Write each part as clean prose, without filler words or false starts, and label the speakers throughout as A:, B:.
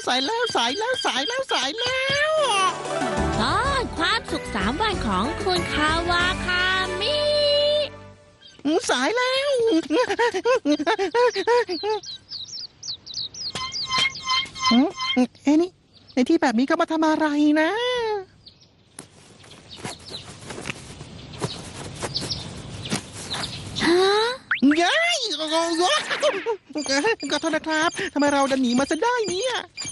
A: สายแล้วสายแล้วสายแล้วสายแล้ว
B: ตอนความสุข3 วันของคุณคาวาคามิ
A: สายแล้วเอ้นี่ในที่แบบนี้เขามาทำอะไรนะ
B: ฮะ
A: ย้ายขอโทษนะครับทำไมเราดันหนีมาซะได้เนี่ย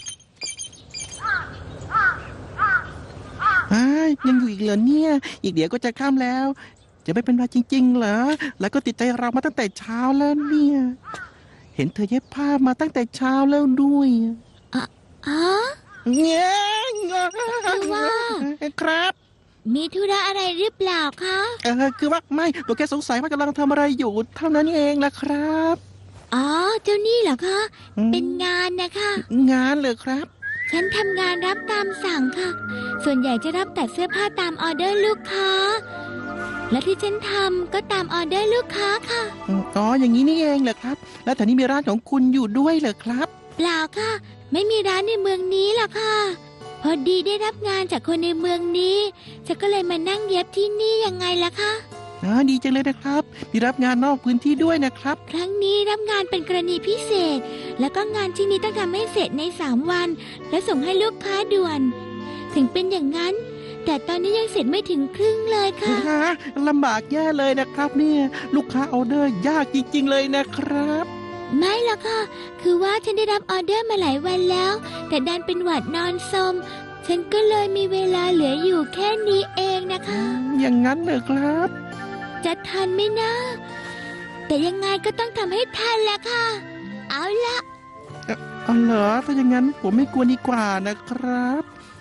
A: ยังอยู่อีกเหรอเนี่ยอีกเดี๋ยวก็จะค่ำแล้วจะไม่เป็นไรจริงๆเหรอแล้วก็ติดใจเรามาตั้งแต่เช้าแล้วเนี่ยเห็นเธอเย็บผ้ามาตั้งแต่เช้าแล้วด้วย
B: อ๋อ
A: เนี่ย
B: ว่า
A: ครับ
B: มีธุระอะไรหรือเปล่าคะ
A: คือว่าไม่ตัวแค่สงสัยว่ากำลังทำอะไรอยู่เท่านั้นเองล่ะครับ
B: อ๋อเจ้านี่เหรอคะเป็นงานนะคะ
A: งานเลยครับ
B: ฉันทำงานรับตามสั่งค่ะ ส่วนใหญ่จะรับตัดเสื้อผ้าตามออเดอร์ลูกค้า และที่ฉันทำก็ตามออเดอร์ลูกค้าค่ะ
A: อ๋ออย่างนี้นี่เองเหรอครับ แล้วแถวนี้มีร้านของคุณอยู่ด้วยเหรอครับ
B: เปล่าค่ะ ไม่มีร้านในเมืองนี้หรอกค่ะ พอดีได้รับงานจากคนในเมืองนี้ฉันก็เลยมานั่งเย็บที่นี่ยังไงล่ะคะ
A: ดีจังเลยนะครับ มีรับงานนอกพื้นที่ด้วยนะครับ
B: ครั้งนี้รับงานเป็นกรณีพิเศษ แล้วก็งานชิ้นนี้ต้องทำให้เสร็จใน3 วัน และส่งให้ลูกค้าด่วน ถึงเป็นอย่างนั้น แต่ตอนนี้ยังเสร็จไม่ถึงครึ่งเลยค่ะ
A: ลำบากแย่เลยนะครับเนี่ยลูกค้าออเดอร์ยากจริงๆเลยนะครับ
B: ไม่หรอกค่ะ คือว่าฉันได้รับออเดอร์มาหลายวันแล้ว แต่ดันเป็นหวัดนอนสมฉันก็เลยมีเวลาเหลืออยู่แค่นี้เองนะคะ
A: อย่างนั้นเหรอครับ
B: จะทันไหมนะ แต่ยังไงก็ต้องทำให้ทันแหละค่ะ เอาละ
A: อ๋อเหรอถ้าอย่างนั้นผมไม่กลัวดีกว่านะครับ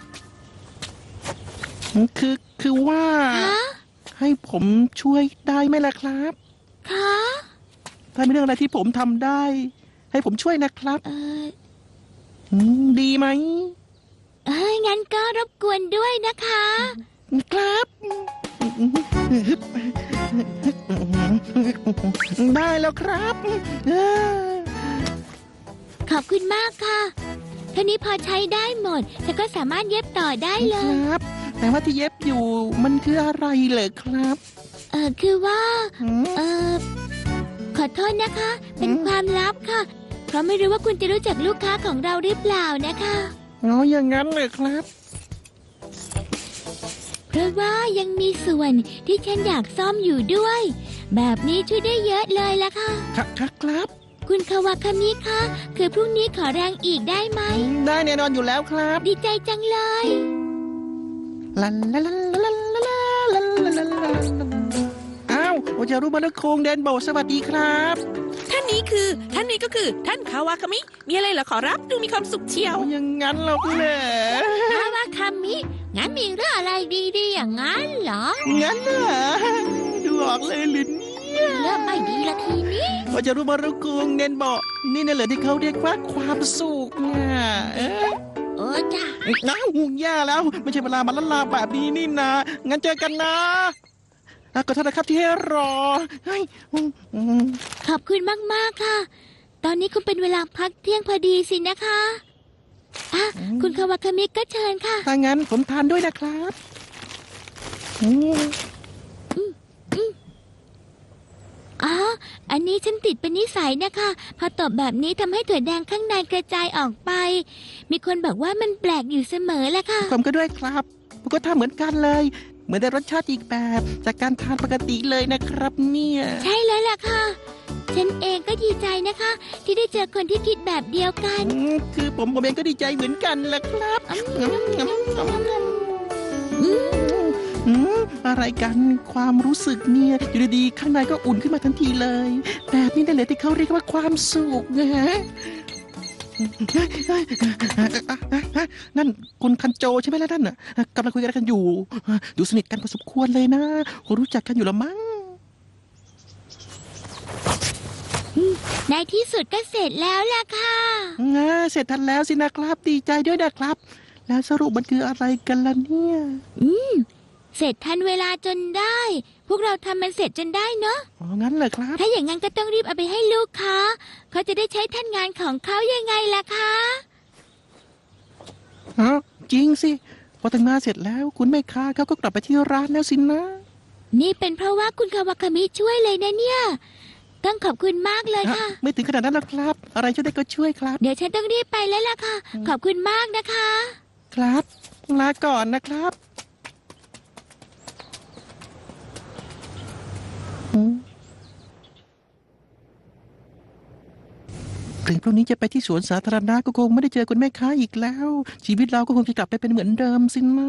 A: คือว่า
B: ฮะ
A: ให้ผมช่วยได้ไหมล่ะครับ
B: คะ
A: ถ้ามีเรื่องอะไรที่ผมทำได้ ให้ผมช่วยนะครับ ดีไหม
B: งั้นก็รบกวนด้วยนะคะ
A: ครับได้แล้วครับเออ
B: ขอบคุณมากค่ะเท่านี้พอใช้ได้หมดฉันก็สามารถเย็บต่อได้เล
A: ค
B: ย
A: รับ แต่ว่าที่เย็บอยู่มันคืออะไรเหรอครับ
B: คือว่า
A: อืม
B: ขอโทษนะคะ เป็นความลับค่ะ เพราะไม่รู้ว่าคุณจะรู้จักลูกค้าของเราหรือเปล่านะคะ
A: อย่างนั้นเลยครับ
B: เพราะว่ายังมีส่วนที่ฉันอยากซ่อมอยู่ด้วย แบบนี้ช่วยได้เยอะเลยล่ะค่ะ
A: ครับ
B: คุณคาวาคามิคะคือพรุ่งนี้ขอแรงอีกได้ไหม
A: ได้แน่นอนอยู่แล้วครับ
B: ดีใจจังเลย
A: ลาลาลาลาลาลาลาลาลาลาอ้าวโอจารุมารุโคงเดนโบสวัสดีครับ
C: ท่านนี้ก็คือท่านคาวาคามิมีอะไรเหรอขอรับดูมีความสุขเชียว
A: อย่างนั้นหรอกเหรอ
B: คาวาคามิ งั้นมีเรื่องอะไรดีๆอย่างนั้นเหรอ
A: งั้นน่ะดูออกเลยหรือเนี่ย
B: เริ่มไม่ดีละทีนี้
A: โอจารุมารุโคงเดนโบนี่น่ะเหรอที่เขาเรียกว่าความสุขเนี่ย
B: จ้ะ
A: น้าหูแย่แล้ว ไม่ใช่เวลามาละลาแบบนี้นี่นะงั้นเจอกันนะขอโทษนะครับที่ให้รอเฮ้ย
B: ขอบคุณมากๆค่ะ ตอนนี้คงเป็นเวลาพักเที่ยงพอดีสินะคะคุณคาวาคามิก็เชิญค่ะ
A: ถ้างั้นผมทานด้วยนะครับ
B: อันนี้ฉันติดเป็นนิสัยนะคะพอตบแบบนี้ทำให้ถั่วแดงข้างในกระจายออกไป มีคนบอกว่ามันแปลกอยู่เสมอแหละค่ะ
A: ผมก็ด้วยครับผมก็ทำเหมือนกันเลย เหมือนได้รสชาติอีกแบบจากการทานปกติเลยนะครับเนี่ย
B: ใช่แล้วล่ะค่ะ ฉันเองก็ดีใจนะคะ ที่ได้เจอคนที่คิดแบบเดียวกัน
A: คือผมเองก็ดีใจเหมือนกันแหละครับอะไรกันความรู้สึกเนี่ยอยู่ดีๆข้างในก็อุ่นขึ้นมาทันทีเลยแบบนี้นั่นแหละที่เขาเรียกว่าความสุขนะฮะนั่นคุณคันโจใช่ไหมล่ะนั่นน่ะกำลังคุยกันอยู่ดูสนิทกันพอสมควรเลยนะคงรู้จักกันอยู่ละมั้ง
B: ในที่สุดก็เสร็จแล้วล่ะค่ะ
A: เสร็จทันแล้วสินะครับดีใจด้วยนะครับ แล้วสรุปมันคืออะไรกันล่ะเนี่ย
B: เสร็จทันเวลาจนได้ พวกเราทำมันเสร็จจนได้เนาะ
A: งั้นเหรอครับ
B: ถ้าอย่างนั้นก็ต้องรีบเอาไปให้ลูกค้าเขาจะได้ใช้ทันงานของเขายังไงล่ะคะ
A: ฮะจริงสิพอแต่งงานเสร็จแล้วคุณแม่ค้าเขาก็กลับไปที่ร้านแล้วสินะ
B: นี่เป็นเพราะว่าคุณคาวาคามิช่วยเลยนะเนี่ย ต้องขอบคุณมากเลยค่ะ
A: ไม่ถึงขนาดนั้นหรอกครับ อะไรช่วยได้ก็ช่วยครับ
B: เดี๋ยวฉันต้องรีบไปแล้วล่ะค่ะ ขอบคุณมากนะคะ
A: ครับลาก่อนนะครับอืมถึงพรุ่งนี้จะไปที่สวนสาธารณะก็คงไม่ได้เจอคุณแม่ค้าอีกแล้ว ชีวิตเราก็คงจะกลับไปเป็นเหมือนเดิมสินะ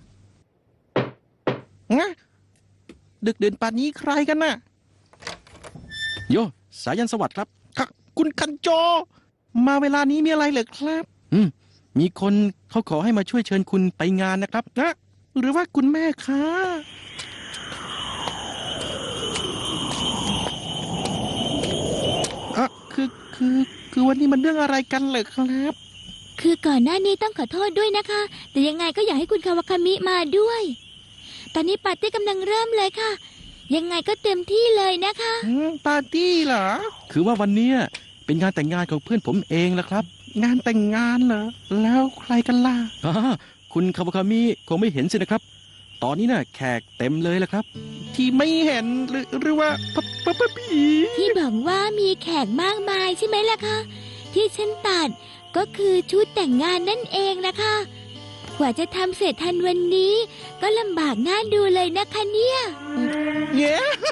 A: งะดึกดื่นป่านนี้ใครกันน่ะ
D: โยสายันสวัสดิ์ครับ
A: ค่ะคุณคันโจ มาเวลานี้มีอะไรเหรอครับ
D: มีคนเขาขอให้มาช่วยเชิญคุณไปงานนะครับ
A: นะหรือว่าคุณแม่ค้าอ่ะคือวันนี้มันเรื่องอะไรกันเหรอครับ
B: คือก่อนหน้านี้ต้องขอโทษด้วยนะคะ แต่ยังไงก็อยากให้คุณคาวาคามิมาด้วย ตอนนี้ปาร์ตี้กำลังเริ่มเลยค่ะ ยังไงก็เต็มที่เลยนะคะ
A: ปาร์ตี้เหรอ
D: คือว่าวันเนี้ยเป็นงานแต่งงานของเพื่อนผมเองละครับ
A: งานแต่งงานเหรอ แล้วใครกันล่ะ
D: อ่าคุณคาวาคามิคงไม่เห็นสินะครับ ตอนนี้น่ะแขกเต็มเลยละครับ
A: ที่ไม่เห็นหรือว่าปะผี
B: ที่บอกว่ามีแขกมากมายใช่ไหมล่ะคะ ที่ฉันตัดก็คือชุดแต่งงานนั่นเองนะคะ กว่าจะทำเสร็จทันวันนี้ ก็ลำบากน่าดูเลยนะคะเนี่ย
A: เย้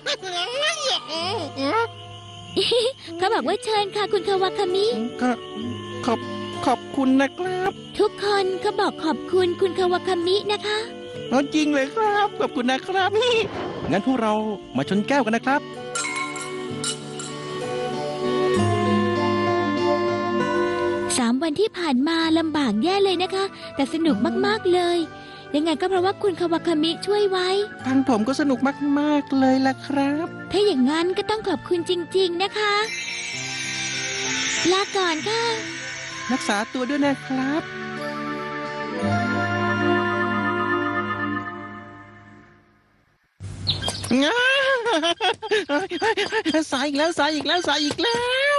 B: เขาบอกว่าเชิญค่ะคุณคาวาคามิ
A: ก็ขอบคุณนะครับ
B: ทุกคนเขาบอกขอบคุณคุณคาวาคามินะคะ
A: เอาจริงเลยครับ ขอบคุณนะครับ
D: งั้นพวกเรามาชนแก้วกันนะครับ
B: 3 วันที่ผ่านมาลำบากแย่เลยนะคะ แต่สนุกมากๆเลย ยังไงก็เพราะว่าคุณคาวาคามิช่วยไว้
A: ทางผมก็สนุกมากๆเลยล่ะครับ
B: ถ้าอย่างนั้นก็ต้องขอบคุณจริงๆนะคะ ลาก่อนค่ะ
A: รักษาตัวด้วยนะครับง้าสายอีกแล้วสายอีกแล้วสายอีกแล้ว